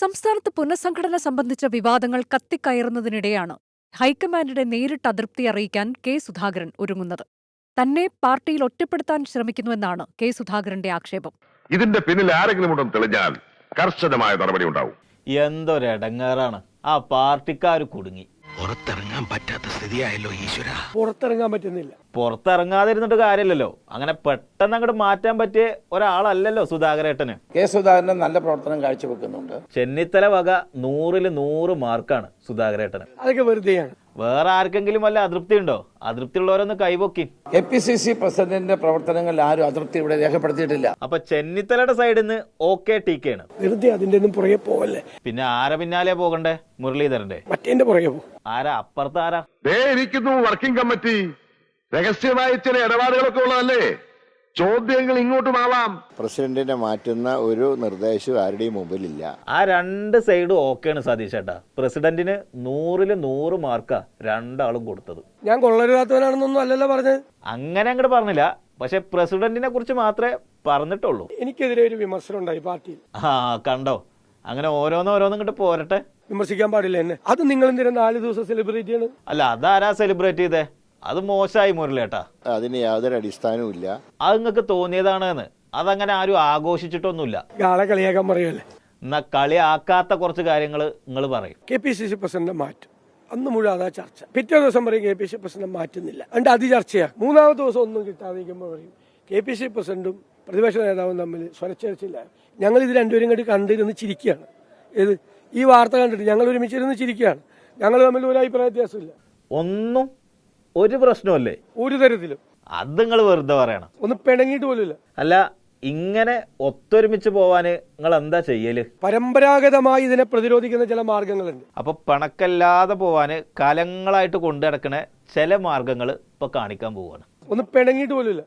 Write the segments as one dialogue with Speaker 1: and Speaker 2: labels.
Speaker 1: സംസ്ഥാനത്ത് പുനഃസംഘടന സംബന്ധിച്ച വിവാദങ്ങൾ കത്തിക്കയറുന്നതിനിടെയാണ് ഹൈക്കമാൻഡിനെ നേരിട്ട് അതൃപ്തി അറിയിക്കാൻ കെ സുധാകരൻ ഒരുങ്ങുന്നത്. തന്നെ പാർട്ടിയിൽ ഒറ്റപ്പെടുത്താൻ ശ്രമിക്കുന്നുവെന്നാണ് കെ സുധാകരന്റെ ആക്ഷേപം.
Speaker 2: ഇതിന്റെ പിന്നിൽ ആരെങ്കിലും ഉണ്ടെന്ന് തെളിഞ്ഞാൽ കർശനമായ നടപടി ഉണ്ടാവും.
Speaker 3: എന്തൊരെടങ്ങേറാണ്, ആ പാർട്ടിക്കാർ കുടുങ്ങി.
Speaker 4: പുറത്തിറങ്ങാൻ പറ്റാത്ത സ്ഥിതിയായല്ലോ ഈശ്വര.
Speaker 5: പുറത്തിറങ്ങാൻ പറ്റുന്നില്ല.
Speaker 3: പുറത്തിറങ്ങാതിരുന്നിട്ട് കാര്യമില്ലല്ലോ. അങ്ങനെ പെട്ടെന്ന് അങ്ങോട്ട് മാറ്റാൻ പറ്റിയ ഒരാളല്ലല്ലോ സുധാകരേട്ടന്.
Speaker 6: കെ സുധാകരൻ നല്ല പ്രവർത്തനം കാഴ്ചവെക്കുന്നുണ്ട്.
Speaker 3: ചെന്നിത്തല വക 100-ൽ 100 മാർക്കാണ് സുധാകരേട്ടന്.
Speaker 5: അതൊക്കെ വെറുതെയാണ്.
Speaker 3: വേറെ ആർക്കെങ്കിലും വല്ല അതൃപ്തി ഉണ്ടോ? അതൃപ്തി ഉള്ളവരൊന്ന് കൈപൊക്കി.
Speaker 6: APCC പ്രസിഡന്റിന്റെ പ്രവർത്തനങ്ങളിൽ ആരും അതൃപ്തി ഇവിടെ രേഖപ്പെടുത്തിയിട്ടില്ല.
Speaker 3: അപ്പൊ ചെന്നിത്തലയുടെ സൈഡിൽ നിന്ന് OK TK ആണ്.
Speaker 5: വെറുതെ അതിന്റെ ഒന്നും പുറകെ പോവല്ലേ.
Speaker 3: പിന്നെ ആരെ പിന്നാലെ പോകണ്ടേ? മുരളീധരന്റെ.
Speaker 5: മറ്റേന്റെ പുറകെ പോകും.
Speaker 3: ആരാ അപ്പുറത്ത് ആരാ?
Speaker 2: ഇരിക്കുന്നു വർക്കിംഗ് കമ്മിറ്റി. രഹസ്യമായ ചില ഇടപാടുകളൊക്കെ ഉള്ളതല്ലേ. ചോദ്യങ്ങൾ ഇങ്ങോട്ടുമാവാം.
Speaker 7: പ്രസിഡന്റിനെ മാറ്റുന്ന ഒരു നിർദ്ദേശവും ആരുടെയും മുമ്പിലില്ല.
Speaker 3: ആ രണ്ട് സൈഡും ഓക്കെയാണ് സതീഷ് ചേട്ടാ. പ്രസിഡന്റിന് 100-ൽ 100 മാർക്കാ രണ്ടാളും കൊടുത്തത്.
Speaker 5: ഞാൻ കൊള്ളരുതാത്തവനാണെന്നൊന്നും അല്ലല്ലോ പറഞ്ഞത്.
Speaker 3: അങ്ങനെ അങ്ങോട്ട് പറഞ്ഞില്ല. പക്ഷെ പ്രസിഡന്റിനെ കുറിച്ച് മാത്രമേ പറഞ്ഞിട്ടുള്ളൂ.
Speaker 5: എനിക്കെതിരെ ഒരു വിമർശനം ഉണ്ടായി പാർട്ടിയിൽ.
Speaker 3: കണ്ടോ, അങ്ങനെ ഓരോന്നും ഇങ്ങോട്ട് പോരട്ടെ.
Speaker 5: വിമർശിക്കാൻ പാടില്ല എന്നെ. അത് നിങ്ങൾ എന്തിനാ 4 ദിവസം സെലിബ്രേറ്റ് ചെയ്യണം?
Speaker 3: അല്ല, അതാരാ സെലിബ്രേറ്റ് ചെയ്തേ? അത് മോശമായി മുരളിയേട്ടാ.
Speaker 7: അതിന് യാതൊരു അടിസ്ഥാനവും ഇല്ല.
Speaker 3: അത് നിങ്ങൾക്ക് തോന്നിയതാണെന്ന്. അതങ്ങനെ ആരും ആഘോഷിച്ചിട്ടൊന്നുമില്ല.
Speaker 5: ആളെ കളിയാക്കാൻ പറയുമല്ലേ.
Speaker 3: എന്നാ കളിയാക്കാത്ത കുറച്ച് കാര്യങ്ങൾ നിങ്ങൾ പറയും.
Speaker 5: KPCC പ്രസിഡന്റ് മാറ്റും. അന്ന് മുഴുവൻ അതാ ചർച്ച. പിറ്റേ ദിവസം പറയും KPCC പ്രസിഡന്റ് മാറ്റുന്നില്ല. എന്നിട്ട് അത് ചർച്ചയാണ്. 3-ാമത്തെ ദിവസം ഒന്നും കിട്ടാതിരിക്കുമ്പോൾ പറയും KPCC പ്രസിഡന്റും പ്രതിപക്ഷ നേതാവും തമ്മിൽ സ്വരച്ചേർച്ചില്ല. ഞങ്ങൾ ഇത് രണ്ടുപേരും കൂടി കണ്ടിരുന്ന് ചിരിക്കുകയാണ്. ഏത് ഈ വാർത്ത കണ്ടിട്ട് ഞങ്ങൾ ഒരുമിച്ചിരുന്ന് ചിരിക്കുകയാണ്. ഞങ്ങൾ തമ്മിൽ ഒരു അഭിപ്രായ വ്യത്യാസമില്ല.
Speaker 3: ഒന്നും ഒരു പ്രശ്നമല്ലേ
Speaker 5: ഒരു തരത്തിലും.
Speaker 3: അത് നിങ്ങൾ വെറുതെ പറയണം.
Speaker 5: ഒന്ന് പിണങ്ങിയിട്ട് പോലുമില്ല.
Speaker 3: അല്ല, ഇങ്ങനെ ഒത്തൊരുമിച്ച് പോവാന് നിങ്ങൾ എന്താ ചെയ്യല്?
Speaker 5: പരമ്പരാഗതമായി ഇതിനെ പ്രതിരോധിക്കുന്ന ചില മാർഗങ്ങളുണ്ട്.
Speaker 3: അപ്പൊ പണക്കല്ലാതെ പോവാന് കാലങ്ങളായിട്ട് കൊണ്ടു നടക്കണ ചില മാർഗങ്ങൾ ഇപ്പൊ കാണിക്കാൻ പോവാണ്.
Speaker 5: ഒന്ന് പിണങ്ങിയിട്ട് പോലുമില്ല.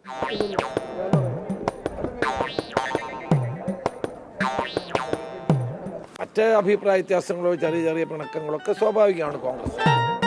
Speaker 4: മറ്റ് അഭിപ്രായ വ്യത്യാസങ്ങളോ ചെറിയ ചെറിയ പിണക്കങ്ങളൊക്കെ സ്വാഭാവികമാണ് കോൺഗ്രസ്.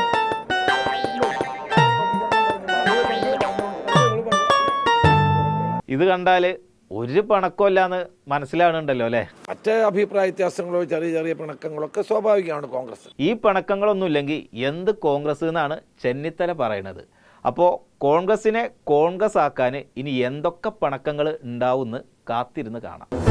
Speaker 3: ഇത് കണ്ടാല് ഒരു പണക്കമില്ലാന്ന് മനസ്സിലാവുന്നുണ്ടല്ലോ അല്ലെ.
Speaker 4: മറ്റ് അഭിപ്രായ വ്യത്യാസങ്ങളോ ചെറിയ ചെറിയ പിണക്കങ്ങളൊക്കെ സ്വാഭാവികമാണ് കോൺഗ്രസ്.
Speaker 3: ഈ പണക്കങ്ങളൊന്നും ഇല്ലെങ്കിൽ എന്ത് കോൺഗ്രസ് എന്നാണ് ചെന്നിത്തല പറയണത്. അപ്പോൾ കോൺഗ്രസിനെ കോൺഗ്രസ് ആക്കാൻ ഇനി എന്തൊക്കെ പണക്കങ്ങൾ ഉണ്ടാവുമെന്ന് കാത്തിരുന്ന് കാണാം.